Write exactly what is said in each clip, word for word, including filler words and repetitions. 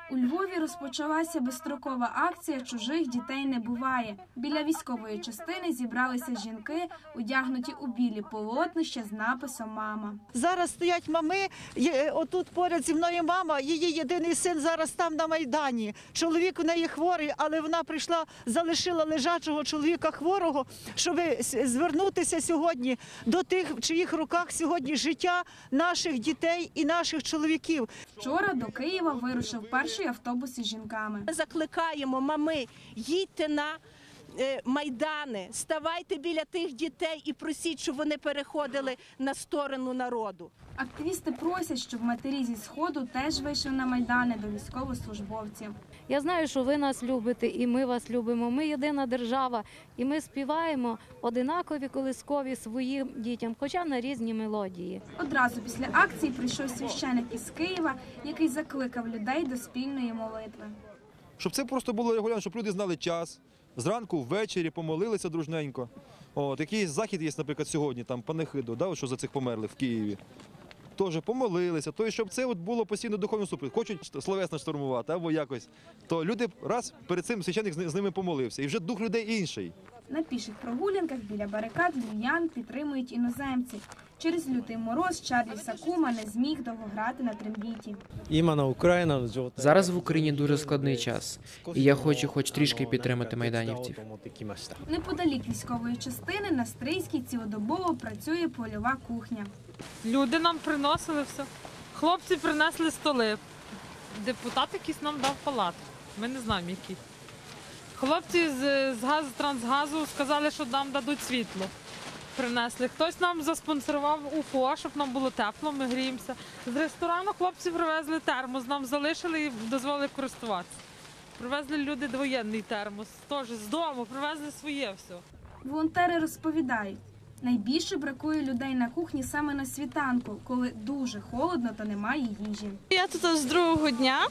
У Львові розпочалася безстрокова акція «Чужих дітей не буває». Біля військової частини зібралися жінки, одягнуті у білі полотнища з написом «Мама». Зараз стоять мами, отут поряд зі мною мама, її єдиний син зараз там на Майдані. Чоловік у неї хворий, але вона прийшла, залишила лежачого чоловіка хворого, щоб звернутися сьогодні до тих, в чиїх руках сьогодні життя наших дітей і наших чоловіків. Вчора до Києва вирушив перший автобус із жінками. Ми закликаємо, мами, їдьте на майдани, ставайте біля тих дітей і просіть, щоб вони переходили на сторону народу. Активісти просять, щоб матері зі Сходу теж вийшли на майдани до військовослужбовців. Я знаю, що ви нас любите і ми вас любимо. Ми єдина держава і ми співаємо одинакові колискові своїм дітям, хоча на різні мелодії. Одразу після акції прийшов священик із Києва, який закликав людей до спільної молитви. Щоб це просто було регулярно, щоб люди знали час, зранку, ввечері помолилися дружненько. От, якийсь захід є, наприклад, сьогодні, там, панихиду, да, що за цих померлих в Києві. Теж помолилися, то щоб це от було постійно духовне супровід. Хочуть словесно штурмувати або якось, то люди раз перед цим священник з ними помолився, і вже дух людей інший. На піших прогулянках біля барикад львів'ян підтримують іноземці. Через лютий мороз Чарлі Сакума не зміг довго грати на трембіті. Зараз в Україні дуже складний час, і я хочу хоч трішки підтримати майданівців. Неподалік військової частини на Стрийській цілодобово працює польова кухня. Люди нам приносили все. Хлопці принесли столи. Депутат якийсь нам дав палатку. Ми не знаємо, який. Хлопці з, з газу, трансгазу сказали, що нам дадуть світло. Принесли. Хтось нам заспонсорував УФО, щоб нам було тепло, ми гріємося. З ресторану хлопці привезли термос, нам залишили і дозволили користуватися. Привезли люди двоєнний термос, теж з дому, привезли своє все. Волонтери розповідають, найбільше бракує людей на кухні саме на світанку, коли дуже холодно та немає їжі. Я тут з другого дня.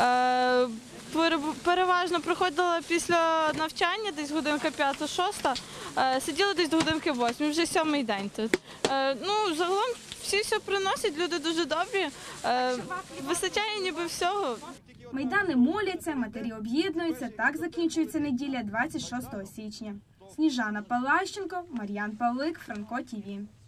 Переважно приходила після навчання, десь годинка п'ята-шоста, сиділа десь до годинки восьмої, вже сьомий день тут. Ну, загалом всі все приносять, люди дуже добрі, вистачає ніби всього. Майдани моляться, матері об'єднуються, так закінчується неділя двадцять шостого січня. Сніжана Палащенко, Мар'ян Павлик, Франко ТІВІ.